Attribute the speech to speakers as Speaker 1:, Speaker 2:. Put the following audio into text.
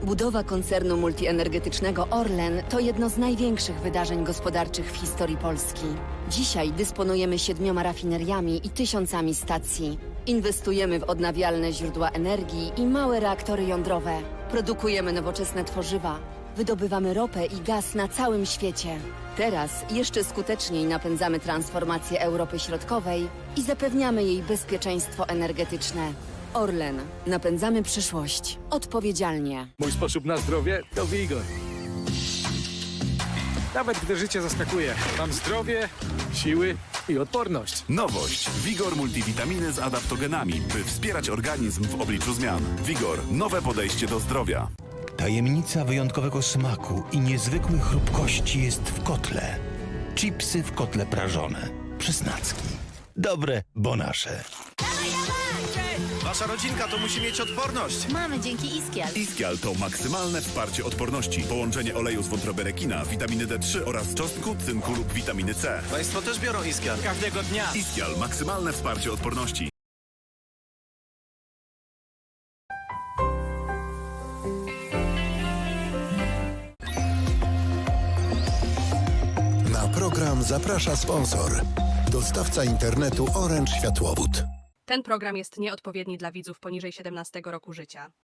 Speaker 1: Budowa koncernu multienergetycznego Orlen to jedno z największych wydarzeń gospodarczych w historii Polski. Dzisiaj dysponujemy 7 rafineriami i tysiącami stacji. Inwestujemy w odnawialne źródła energii i małe reaktory jądrowe. Produkujemy nowoczesne tworzywa. Wydobywamy ropę i gaz na całym świecie. Teraz jeszcze skuteczniej napędzamy transformację Europy Środkowej i zapewniamy jej bezpieczeństwo energetyczne. Orlen. Napędzamy przyszłość. Odpowiedzialnie.
Speaker 2: Mój sposób na zdrowie to Vigor. Nawet gdy życie zaskakuje, mam zdrowie, siły i odporność.
Speaker 3: Nowość. Vigor multivitaminy z adaptogenami, by wspierać organizm w obliczu zmian. Vigor. Nowe podejście do zdrowia.
Speaker 4: Tajemnica wyjątkowego smaku i niezwykłej chrupkości jest w kotle. Chipsy w kotle prażone. Przysnacki. Dobre, bo nasze.
Speaker 5: Wasza rodzinka to musi mieć odporność.
Speaker 6: Mamy dzięki Iskial.
Speaker 3: Iskial to maksymalne wsparcie odporności. Połączenie oleju z wątroby rekina, witaminy D3 oraz czosnku, cynku lub witaminy C.
Speaker 5: Państwo też biorą Iskial.
Speaker 2: Każdego dnia.
Speaker 3: Iskial. Maksymalne wsparcie odporności.
Speaker 7: Na program zaprasza sponsor. Dostawca internetu Orange Światłowód.
Speaker 8: Ten program jest nieodpowiedni dla widzów poniżej 17 roku życia.